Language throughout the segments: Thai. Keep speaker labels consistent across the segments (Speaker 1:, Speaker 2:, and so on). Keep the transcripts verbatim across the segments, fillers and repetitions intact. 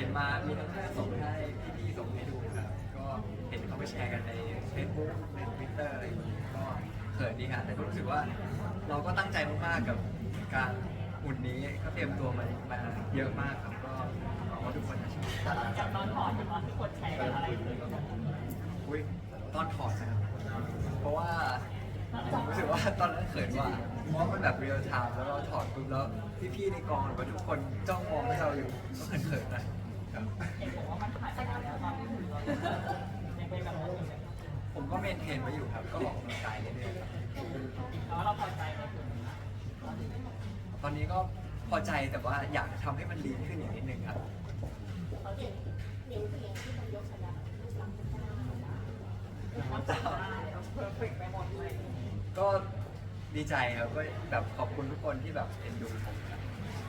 Speaker 1: มามีทั้งเพื่อนส่งให้พี่ๆส่งให้ดูครับก็เห็นเขาไปแชร์กันใน Facebook ใน Twitter อะไรอย่างนี้ก็เขินดีครับแต่ก็รู้สึกว่าเราก็ตั้งใจมากๆกับการหุ่นนี้ก็เตรียมตัวมามาเยอะมากครับก็หวังว่าทุกคนจะชอบ
Speaker 2: จากตอนถอดถึงตอนที่คนแชร์กันอะไรเลย
Speaker 1: อุ้ยตอนถอดนะครับเพราะว่าผมรู้สึกว่าตอนนั้นเขินกว่าเพราะมันแบบเรียลไทม์แล้วเราถอดปุ๊บแล้วพี่ๆในกองหรือว่าทุกคนจ้องมองให้เราอยู่ก็เขินๆนะครับ
Speaker 2: เห็นบอกว่ามันถ่ายไปแล้วตอนที่หุ่นเรายังเป็นแบบนั้นอยู่เลย
Speaker 1: ผมก็เมนเทนไว้อยู่ครับก็ออกกำลังกายเรื่อยๆครับ
Speaker 2: แล้วเราพอใจไหมคุณ
Speaker 1: ตอนนี้ก็พอใจแต่ว่าอยากทำให้มันลีนขึ้นอีกนิดนึงครับ
Speaker 2: เขาเห็นนิ้วตัวเองที่มันยกชนะรูปลักษณ์เป็นหน้ามันจะเพอร์เฟกไปหมดเลย
Speaker 1: ก็ดีใจครับก็แบบขอบคุณทุกคนที่แบบเอ็นดูผมครับ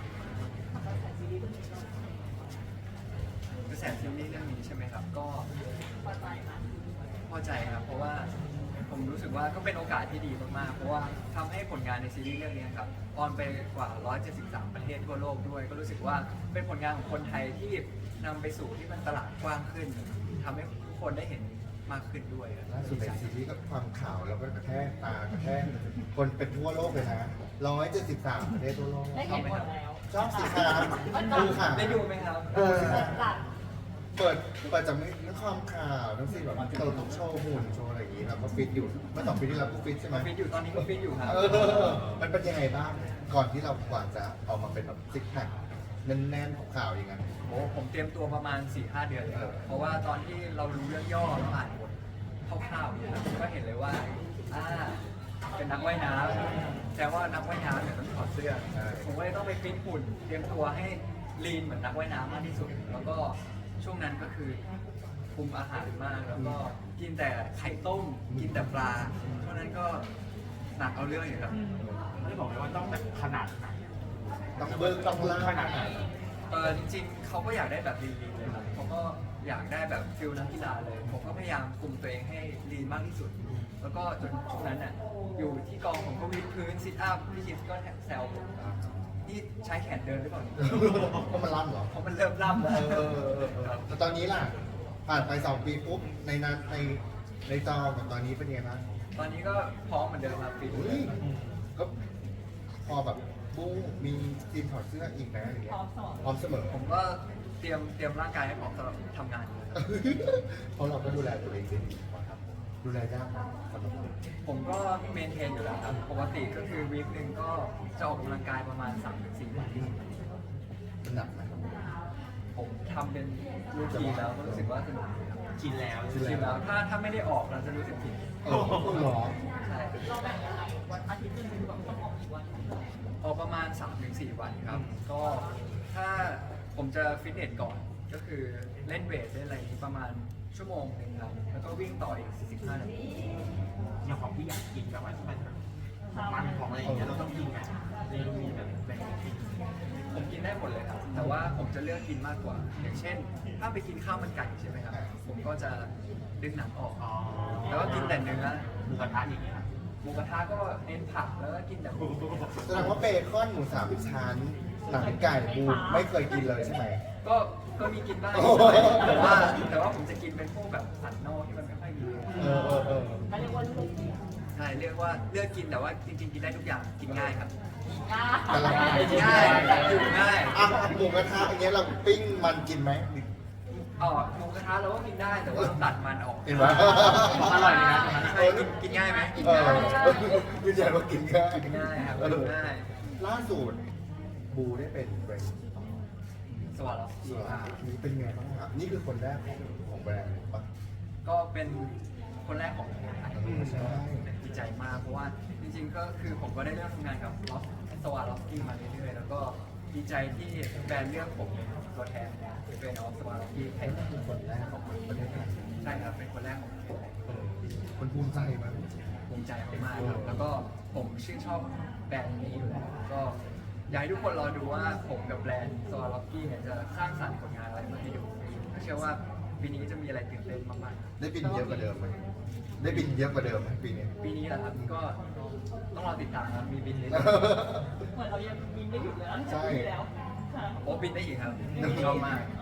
Speaker 1: กระแสซีรีส์เรื่องนี้ใช่ไหมครับก็
Speaker 2: พอใจไหม
Speaker 1: พอใจครับเพราะว่าผมรู้สึกว่าก็เป็นโอกาสที่ดีมากๆ เพราะว่าทำให้ผลงานในซีรีส์เรื่องนี้ครับออนไปกว่าหนึ่งร้อยเจ็ดสิบสามประเทศทั่วโลกด้วย ก็รู้สึกว่าเป็นผลงานของคนไทยที่นำไปสู่ที่มันตลาดกว้างขึ้นทำให้ทุกคนได้เห็นมากขึ้นด้วยครับ
Speaker 3: ล่าสุดในซีรีส์ก็ความข่าวแล้วก็กระแทกตากระแทกคนเป็นทั่วโลกเลยนะร้อยเจ็ดสิบสามประเทศทั่วโลก
Speaker 2: ได้เห็นหมดแล้ว
Speaker 3: ชอบสิครับดูค่ะ
Speaker 1: ได้ดูไหมครับ
Speaker 3: เออ
Speaker 2: หลัง
Speaker 3: เปิดเปิดจากเรื่องความข่าวทั้งสิ้นแบบเติมโชว์หุ่นโชว์อะไรอย่างนี้เราก็ฟิตอยู่เมื่อสองปีที่แล้วก็ฟิตใช่ไหม
Speaker 1: ฟิตอยู่ตอนนี้ก็ฟิตอยู่ครับ
Speaker 3: เออมันเป็นยังไงบ้างก่อนที่เรากว่าจะออกมาเป็นแบบซิกแพคแน่นๆของข่าวอย่างนั้น
Speaker 1: โอ้ผมเตรียมตัวประมาณ สี่ห้า เดือนเลยครับเพราะว่าตอนที่เรารู้เรื่องย่อเราอ่านบทคร่าวๆเนี่ยครับก็เห็นเลยว่าอ่าเป็นนักว่ายน้ำแต่ว่านักว่ายน้ำเนี่ยต้องถอดเสื้อ
Speaker 3: ใช่
Speaker 1: ผมก็เลยต้องไปฟิตหุ่น เตรียมตัวให้ลีนเหมือนนักว่ายน้ำมากที่สุด แล้วก็ช่วงนั้นก็คือคุมอาหารมาก แล้วก็กินแต่ไข่ต้ม กินแต่ปลาช่วงนั้นก็หนักเอาเรื่องอยู่ครับ
Speaker 4: ไม่ได้บอกเลยว่าต้องแบบขนาดไหน
Speaker 3: ต้องเบิร์ต้องล่า
Speaker 4: ขนาดไหน
Speaker 1: เออจริงๆ เขาก็อยากได้แบบลีนๆเลยครับเขาก็อยากได้แบบฟิลนักกีฬาเลย ผมก็พยายามคุมตัวเองให้ลีนมากที่สุด แล้วก็จนช่วงนั้นน่ะอยู่ที่กองผมก็วิดพื้นซิทอัพพี่คิดก็แซวผมนี่ใช้แขนเดินหรือเปล่า
Speaker 3: ก็มันล่ำเหรอ
Speaker 1: เพราะมันเริ่มล่ำ
Speaker 3: เอ
Speaker 1: แล้ว
Speaker 3: อเออเออเออแต่ตอนนี้ล่ะ ผ่านไปสองปีปุ๊บ ในนั้นในในจอกับตอนนี้เป็นยังไงบ้าง
Speaker 1: ตอนนี้ก็พร้อมเหมือนเดิมครับฟิต
Speaker 3: อุ้ยก็พอแบบบุ้งมีทีมถอดเสื้ออีกนะอย่าง
Speaker 2: พ
Speaker 3: เงี้
Speaker 2: ร้
Speaker 3: ย
Speaker 2: อมสอน
Speaker 3: พร้อมเสมอ
Speaker 1: ผมก็เตรียมเตรียมร่างกายให้พร้อมสำหรับทำงานอยู่แล้ว
Speaker 3: เพราะเราก็ดูแลตัวเองได้ดีครับ ดูแลยากนะสำหรับผม
Speaker 1: ผมก็เมนเทนอยู่แล้วครับ ปกติก็คือวีคหนึ่งก็จะออกกำลังกายประมาณ สามถึงสี่ วัน
Speaker 3: มันหนักไหม
Speaker 1: ผมทำเป็นรูทีนแล้วก็รู้สึกว่าสนุกดีครับ
Speaker 4: ชินแล้ว
Speaker 1: ชินแล้วถ้าถ้าไม่ได้ออกเราจะรู้สึกผิด
Speaker 3: เออคุณหรอ
Speaker 1: ใช่
Speaker 2: เราแบ่งยังไงวันอาทิตย์หนึงคือแบบต้องออกกี่วัน
Speaker 1: ออกประมาณ สามถึงสี่ วันครับ ก็ถ้าผมจะฟิตเนสก่อนก็คือเล่นเวทเล่นอะไรนี้ประมาณชั่วโมงหนึ่งครับ แล้วก็วิ่งต่ออีกสี่สิบห้านาที
Speaker 4: อย่างของพี่อยากกินแบบว่าที่มันแบบมันของอะไรอย่างเงี้ยเราต้องกินไงเมนูมีแบบแบ่งกิน
Speaker 1: ผมกินได้หมดเลยครับ แต่ว่าผมจะเลือกกินมากกว่า อย่างเช่น ถ้าไปกินข้าวมันไก่ใช่ไหมครับ ผมก็จะดึงหนังออก
Speaker 4: อ๋อ
Speaker 1: แล้วก็กินแต่เนื้อ
Speaker 4: หมูกระทะอย่างเงี้ย
Speaker 1: หมูกระทะก็เน้นผักแล้วก็กินแต่หมู
Speaker 3: แสดงว่าเบคอนหมูสามชั้นหนังไก่บูดไม่เคยกินเลยใช่ไหม
Speaker 1: ก็ก็มีกินบ้าง
Speaker 3: โอ้โห
Speaker 1: แต่ว่าแต่ว่าผมจะกินเป็นพวกแบบสันนอกที่มันไม่ค่อยมี
Speaker 3: เออเออเออ
Speaker 2: เขาเรียกว่าลูกเนี่ย
Speaker 1: ใช่เรียกว่าเลือกกินแต่ว่าจริงๆกินได้ทุกอย่างกินง่ายครับ
Speaker 2: กล้า
Speaker 3: แต่ละ
Speaker 1: กินง่ายอยู่ง่าย
Speaker 3: อ่ะหมูกระทะอย่างเงี้ยเราปิ้งมันกินไหม
Speaker 1: อ๋อหมูกระทะเราก็กินได้แต่ว่าตัดมันออก
Speaker 3: เห็นไหม
Speaker 4: อร่อยเลยนะ
Speaker 1: ใช่กินกินง่ายไหม
Speaker 3: เออยืนยันว่ากินง่าย
Speaker 1: กินง่ายครับ
Speaker 3: เออ
Speaker 1: กินง่าย
Speaker 3: ล่าสุดบูได้เป็นแบรนด์
Speaker 1: สวัสดี
Speaker 3: ส่วนนี้เป็นไงบ้างครับนี่คือคนแรกของของแบรนด์ปะ
Speaker 1: ก็เป็นคนแรกของประเทศไทย
Speaker 3: ใช่
Speaker 1: ดีใจมากเพราะว่าจริงๆก็คือผมก็ได้เริ่มทำงานกับลอสสวัสดีกี้มาเรื่อยๆแล้วก็ดีใจที่แบรนด์เลือกผมเป็นตัวแทนเป็นออฟสวัสดีกี้ไทย
Speaker 3: คือคนแรกของประเทศไทย
Speaker 1: ใช่ครับเป็นคนแรกของประเทศไทย
Speaker 3: เออคนภูมิใจมาก
Speaker 1: ภูมิใจมากๆครับแล้วก็ผมชื่นชอบแบรนด์นี้อยู่แล้วก็อยากให้ทุกคนรอดูว่าผมกับแบรนด์สวัสดีกี้เนี่ยจะสร้างสรรค์ผลงานอะไรมาให้ดูก็เชื่อว่าปีนี้จะมีอะไรตื่นเต้นมากๆ
Speaker 3: ได้บินเยอะกว่าเดิมไหมได้บินเยอะกว่าเดิมไหมปีนี้
Speaker 1: ปีนี้แหละครับก็ต้องรอติดตามครับมีบินเลย
Speaker 2: เหมือนเรายังบินไม่หยุดเลยนะ
Speaker 3: ใช่
Speaker 2: ปีแล้วค่ะ
Speaker 1: โอ้บินได้อีกครับชอบมาก
Speaker 2: เออ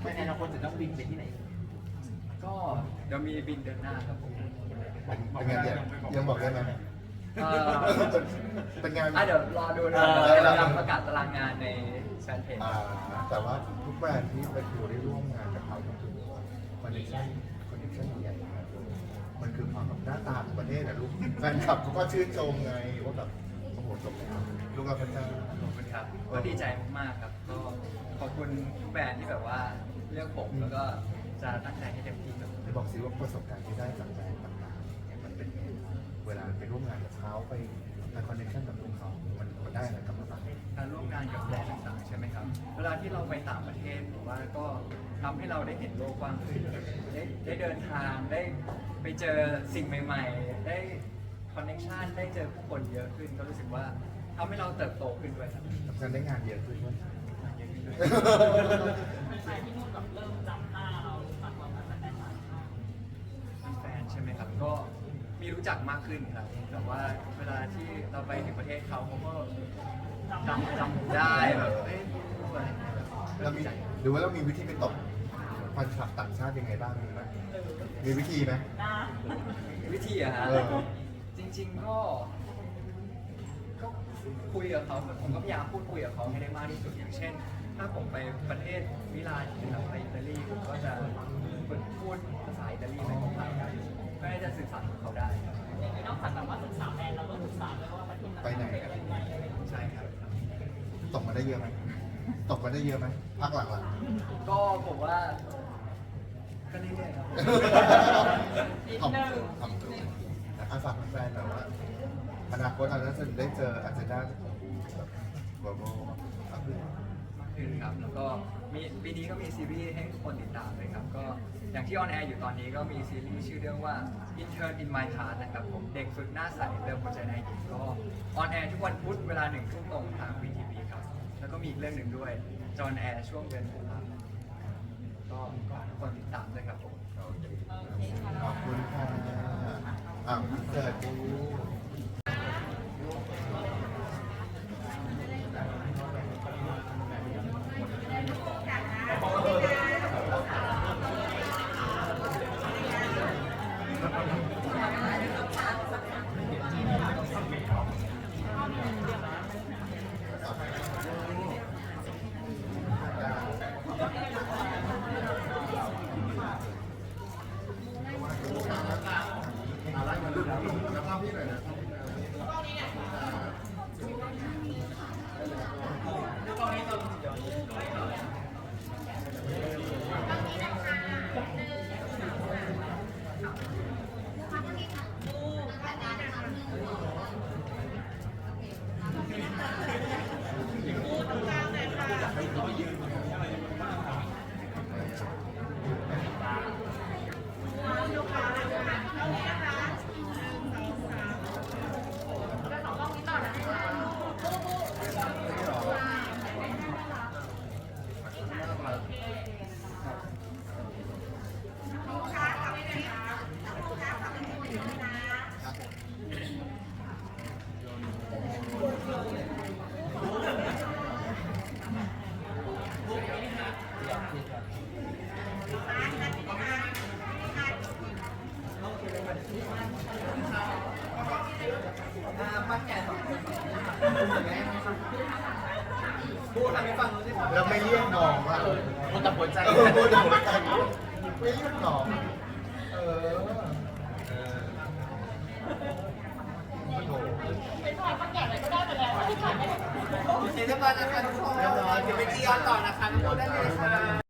Speaker 4: ในอนาคตจะต้องบินไปที่ไหน
Speaker 1: ก็เดี๋ยวมีบินเดือนหน้าครับผม
Speaker 3: เป็นเป็นไงเนี่ยยังบอกได้ไหม
Speaker 1: เอ่อ
Speaker 3: เป็นไงาน
Speaker 1: อ่ะเดี๋ยวรอดูนะ
Speaker 3: เออ
Speaker 1: เราจะประกาศตารางงานในแฟนเพจ
Speaker 3: อ่าแต่ว่าทุกแบรนด์ที่ไปดูได้ร่วมงานกับเขาก็คือคอนเนคชั่นคอนเนคชั่นใหญ่มากมันคือความแบบหน้าตาของประเทศนะลูกแฟนคลับเขาก็ชื่นชมไงว่าแบบโอ้โหจบแล้วลูกเราพระเจ้า
Speaker 1: ขอบคุณครับก็ดีใจมากๆครับก็ขอบคุณทุกแบรนด์ที่แบบว่าเลือกผมแล้วก็จะตั้งใจให้เต็มที่ครับ
Speaker 3: จะบอกซิว่าประสบการณ์ที่ได้จากแบรนด์ต่างๆเนี่ยมันเป็นไงเวลาไปร่วมงานกับเขาไปไปคอนเนคชั่นกับลูกเขามันมันได้อะไรกลับมาบ้าง
Speaker 1: การร่วมงานกับแบรนด์ต่างๆใช่ไหมครับ เวลาที่เราไปต่างประเทศหรือว่าก็ทำให้เราได้เห็นโลกกว้างขึ้นได้ได้เดินทางได้ไปเจอสิ่งใหม่ ๆ ได้คอนเนคชันได้เจอผู้คนเยอะขึ้น ก็รู้สึกว่าทำให้เราเติบโตขึ้นด้วยครับ
Speaker 3: ทำงานได้งานเยอะขึ้นด้วย
Speaker 2: ใครที่นู่นแบบเริ่มจำหน้าเรามากกว่าแบบแฟน
Speaker 1: มีแฟนใช่ไหมครับ ก็มีรู้จักมากขึ้นครับ แต่ว่าเวลาที่เราไปถึงประเทศเขาเขาก็จำจำได้แบบเอ้ยอะไรอย่างเงี้ยแบบ
Speaker 3: แล้วมีหรือว่าเรามีวิธีไปตบแฟนคลับต่างชาติยังไงบ้างมีไหมมีวิธีไหม
Speaker 2: ๆนะ
Speaker 1: วิธีอะฮะ
Speaker 3: เออ
Speaker 1: จริงๆก็ก็คุยกับเขาผมก็พยายามพูดคุยกับเขาให้ได้มากที่สุดอย่างเช่น ถ้าผมไปประเทศมิลานหรือไปอิตาลีผมก็จะฝึกพูดภาษาอิตาลีไปของเขาเพื่อที่จะสื่อสารกับเขาได้ครับ
Speaker 2: อย่างนี้นอกจากแบบว่าศึกษาแบรนด์เราก็ศึกษาด้วยว่าประเทศนั้น
Speaker 3: ไปไหน
Speaker 2: เป็นยังไงอะไรอย่างเงี้ย
Speaker 1: ใช่ครับ
Speaker 3: ตกมาได้เยอะไหมตกมาได้เยอะไหมพักหลัง
Speaker 1: ก็ผมว่าก็เรื่อยๆครับ
Speaker 3: ๆทำตัวทำตัวอาฝากแฟนๆแบบว่าอนาคตเราจะได้เจออาจจะได้แบบโบโบมากขึ้น
Speaker 1: มากขึ้นครับแล้วก็มีปีนี้ก็มีซีรีส์ให้ทุกคนติดตามเลยครับ ก็อย่างที่ออนแอร์อยู่ตอนนี้ก็มีซีรีส์ชื่อเรื่องว่า Intern in My Class นะครับผมเด็กฝึกหน้าใสเติมหัวใจนายหญิงก็ออนแอร์ทุกวันพุธเวลาหนึ่งทุ่มตรงทาง วี ที วี ครับ แล้วก็มีอีกเรื่องหนึ่งด้วยจอห์นแอร์ช่วงเดือนตุลาคมก็ก็ทุกคนติดตามด้วยครับผม
Speaker 3: โอเคขอบคุณค่ะอ่ะเกิดดู
Speaker 1: พูดทำให้ฟังรู้สิครับ
Speaker 3: แล้วไม่เรียกน้องอ่ะ
Speaker 4: พูดแต่หัวใจ
Speaker 3: เออพูดถึงหัวใจไม่เรียกน้องเออโอ้โห
Speaker 2: เป็นชายคนแก่อะไรก็ได้ไปแล้วที่ผ่านไป
Speaker 1: เรียบร้อยนะคะทุกคน
Speaker 3: เรียบร้อย
Speaker 1: เดี๋ยวไปจีออนต่อนะคะทุกคนได้เลยค่ะ